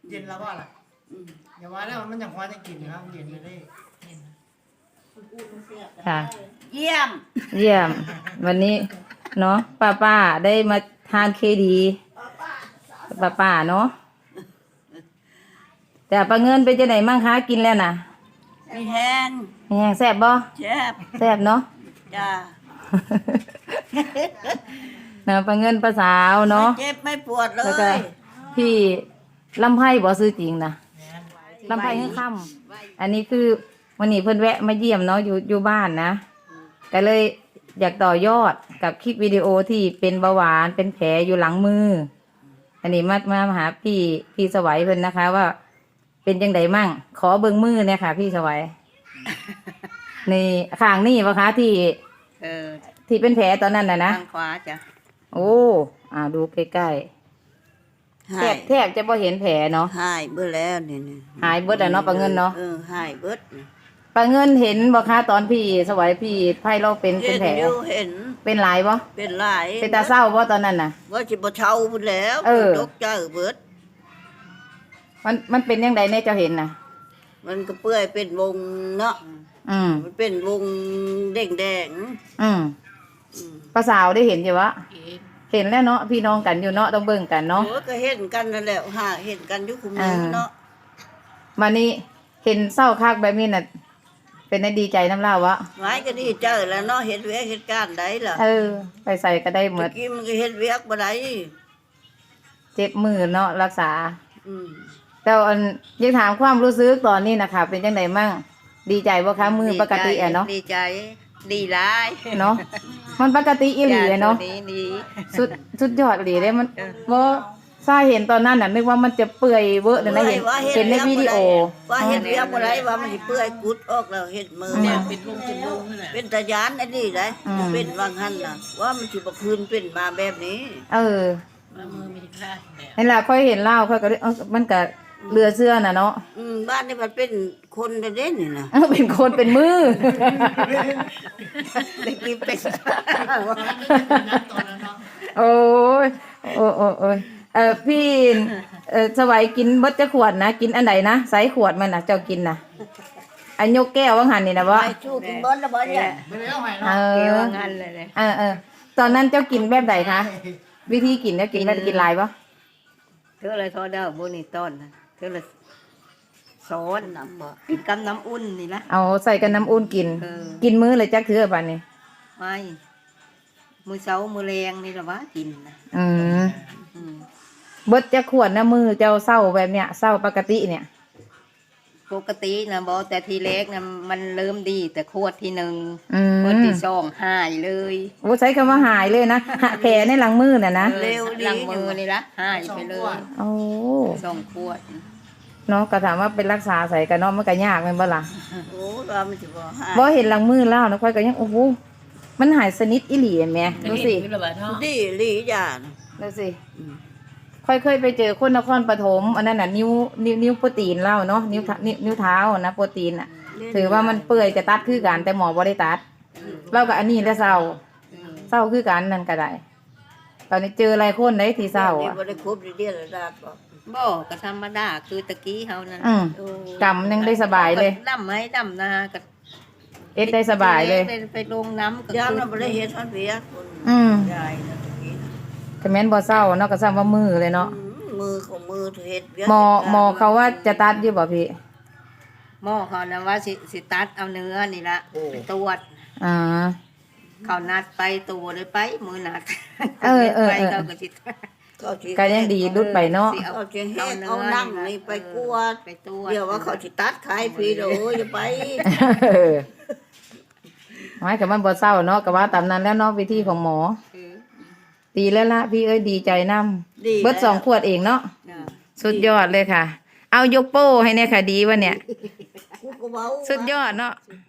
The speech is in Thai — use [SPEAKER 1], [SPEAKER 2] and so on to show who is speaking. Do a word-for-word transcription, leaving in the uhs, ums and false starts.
[SPEAKER 1] เย็นแล้วว่าล่ะอย่าว่าแล้วมันยังพอจะกินนะครับเย็นไม่ได้
[SPEAKER 2] ค่ะ
[SPEAKER 3] เยี่ยม
[SPEAKER 2] เยี่ยมวันนี้เนาะป้าป้าได้มาทานเคดีป้าป้าเนาะแต่ปลาเงินไปจะไหนมั่งคะกินแล้วนะ
[SPEAKER 3] มีแห้ง
[SPEAKER 2] แห้งแซ่บบ่
[SPEAKER 3] แซ่บ
[SPEAKER 2] แซ่บเนาะ
[SPEAKER 3] จ้า
[SPEAKER 2] นะปลาเงินปลาสาวเนาะ
[SPEAKER 3] เจ็บไม่ปวดเล
[SPEAKER 2] แล้วก็
[SPEAKER 3] ย
[SPEAKER 2] พี่ลำไผ่บ่ซื้อจริงนะลำไผ่ขึ้นค่ำอันนี้คือวันนี้เพิ่นแวะมาเยี่ยมเนาะอยู่อยู่บ้านนะก็เลยอยากต่อยอดกับคลิปวิดีโอที่เป็นเบาหวานเป็นแผลอยู่หลังมืออันนี้มามาหาพี่พี่สวัยเพิ่นนะคะว่าเป็นจังไดมั่งขอเบิ่งมือเนี่ยค่ะพี่สวัยนี่ข้างนี่ปะคะที่
[SPEAKER 3] เออ
[SPEAKER 2] ที่เป็นแผลตอนนั้นน่ะนะ
[SPEAKER 3] ทางขวาจ้ะ
[SPEAKER 2] โอ้อ่าดูใกล้ๆแทบแทบจะพอเห็นแผลเนาะ
[SPEAKER 3] หายเบิดแล้วนี่
[SPEAKER 2] หายเบิดอะเนาะปลาเงินเนาะ
[SPEAKER 3] เออหายเบิด
[SPEAKER 2] ปลาเงินเห็นบ่คะตอนพี่สวัยพี่ไพ่เราเป็นเป็นแผล
[SPEAKER 3] เห็น
[SPEAKER 2] เป็นหลายบ่
[SPEAKER 3] เป็นหลาย
[SPEAKER 2] เป็นตาเศร้าบ่ตอนนั้นน่ะ
[SPEAKER 3] ว่าสิบ่เช่าพุ่นแล้วตกใจเบิด
[SPEAKER 2] มันมันเป็นยังไงเนี่ยเจ้าเห็นน่ะ
[SPEAKER 3] มันก็เปื่อยเป็นวงเนาะ
[SPEAKER 2] อืม
[SPEAKER 3] มันเป็นวงแดงแดง
[SPEAKER 2] อืมป้าสาวได้เห็นใช่ปะเห็นแล้วเนาะพี่น้องกันอยู่เนาะต้องเบิ่งกันเนาะ
[SPEAKER 3] โอ้ก็เห็นกันนั่นแหละหาเห็นกันอยู่คุมือเนาะ
[SPEAKER 2] มานี่เห็นเศร้าคักแบบนี้น่ะเป็นได้ดีใจน้ำเล่าวะ
[SPEAKER 3] ไว้ก็ดีเจอแล้วเนาะเห็นเวียกเหตุการณ์ใดล่ะ
[SPEAKER 2] เออไปใส่ก็ได้หมด
[SPEAKER 3] กินมันก็เห็นเวียกบ่ได้
[SPEAKER 2] เจ็บมือเนาะรักษา
[SPEAKER 3] อืม
[SPEAKER 2] แต่อันยังถามความรู้สึกตอนนี้นะคะเป็นจังไดมั่งดีใจบ่คะมือปกติอ่ะเนาะ
[SPEAKER 3] ดีใจดีหลาย
[SPEAKER 2] เนาะมันปกติอีหลีเนาะ
[SPEAKER 3] ดี
[SPEAKER 2] สุดสุดยอดอีหลีเด้มันบ่ซาเห็นตอนนั้นน่ะนึกว่ามันจะเปื่อยเวอะนั่นนะเห็นเห็นในวิดีโอ
[SPEAKER 3] ว่าเห็นเวียกบ่ได้ว่ามันสิเปื่อยกุดออกแล้วเห็นมือเนี่ยเป็นวงเป็นวงนั่นแหละเป็นตะยานอันนี้ได้เป็นวางหั่นน่ะว่ามันสิบ่คืนเป็นมาแบบนี้
[SPEAKER 2] เออมือมีค่านั่นล่ะค่อยเห็นเล่าค่อยก็มันก็เรือเสื้อน่ะเนาะ
[SPEAKER 3] อืมบ้านนี่มันเป็นคนเด่นนี่นะ
[SPEAKER 2] เป็นคนเป็นมือ
[SPEAKER 3] เด็กนี่เป็น
[SPEAKER 2] โอ้ยโอ้โอ้โอ้ยเออพี่เออสวัยกินเบิดจะขวดนะกินอันไหนนะใส่ขวดมันนะเจ้ากินนะอันยกแก้วว่างหันนี่นะบ่
[SPEAKER 3] ไอ้ชูกินเบิดแล้วบ่เนี่ย
[SPEAKER 2] เออว่างหันเลยเออเออตอนนั้นเจ้ากินแบบไหนคะวิธีกินเนี่ยกินแบบกินลายปะ
[SPEAKER 3] เธออะไรทอดเด้อโบนี่ต้นนะเธอเลยซอนน้ำบ่กินกับน้ำอุ่นนี่นะ
[SPEAKER 2] เอาใส่กับน้ำอุ่นกินกินมื้อเลยจักเถื่อป่านนี้
[SPEAKER 3] ไม่มือเช้ามือแรงนี่ละวะกินนะ
[SPEAKER 2] อืมเบิดจะขวดนะมือเจ้าเศร้าแบบเนี้ยเศร้าปกติเนี่ย
[SPEAKER 3] ปกตินะบอแต่ทีเล็กนะมันเริ่มดีแต่ขวดที่หนึ่งขวดที่สองหายเลย
[SPEAKER 2] โอ้ใช้คำว่าหายเลยนะแผลในหลังมือน่ะนะ
[SPEAKER 3] เร็วหลังมือนี่ละหายไปเลย
[SPEAKER 2] โอ้
[SPEAKER 3] สองขวด
[SPEAKER 2] เนาะก็ถามว่าเป็นรักษาใส่กันเนาะมันก็ยากแม่นบ่ล่ะ
[SPEAKER 3] โอ้ว่ามันจะบ่หาย
[SPEAKER 2] บ่เห็นหลังมือแล้วนะค่อยก็ยังโอ้โหมันหายสนิทอีหลีแม่ดูสิ
[SPEAKER 3] ดีหลีจ้ะ
[SPEAKER 2] ดูสิค่อยเคยไปเจอคนนครปฐมอันนั้นน่ะนิ้วนิ้วนิ้วโปรตีนเล่าเนาะนิ้วนิ้วนิ้วเท้านะโปรตีนอ่ะถือว่ามันเปื่อยจะตัดคือกันแต่หมอบ่ได้ตัดเราก็อันนี้แล้วเศร้าเศร้าคือกันนั่นก็ได้ตอนนี้เจออะไรคนได้ที่เศร้าอ่ะ
[SPEAKER 3] บ่ได้ครบเดือนละดาบ่บ่ก็ธรรมดาคือตะกี้เฮานั่น
[SPEAKER 2] กำยังได้สบายเลย
[SPEAKER 3] ดำไหมดำนาก็
[SPEAKER 2] เอ็ดได้สบายเลย
[SPEAKER 3] ไปลงน้ำก็ยามเราบ่ได้เฮ็ดทันเวียคน
[SPEAKER 2] อืม
[SPEAKER 3] ยายนะตะกี้
[SPEAKER 2] คอมเมนต์บ่เศร้าเนาะก็ซ้ำว่ามือเลยเนาะ
[SPEAKER 3] มือของมือเฮ็ด
[SPEAKER 2] หมอหมอเขาว่าจะตัดอยู่บ่พี่
[SPEAKER 3] หมอเขานะว่าสิสิตัดเอาเนื้อนี่ละไปตรวจ
[SPEAKER 2] อ่า
[SPEAKER 3] เขานัดไปตัวเลยไปมือนัด
[SPEAKER 2] เออเออเออก็ยังดีรุดไปเนาะ
[SPEAKER 3] เอาเชียงเอาเอานั่งนี่ไปกวดไปตรวจเดี๋ยวว่าเขาสิตัดขายฟรีโอ้ยจะไป
[SPEAKER 2] ไม่กับมันบ่เศร้าเนาะก็ว่าตามนั้นแล้วเนาะวิธีของหมอดีแล้วละพี่เอ้ยดีใจน้ำเบิดสองขวดเองเนาะสุดยอดเลยค่ะเอายกโป้ให้เนี่ยค่ะดีวะเนี่ยสุดยอดเนาะ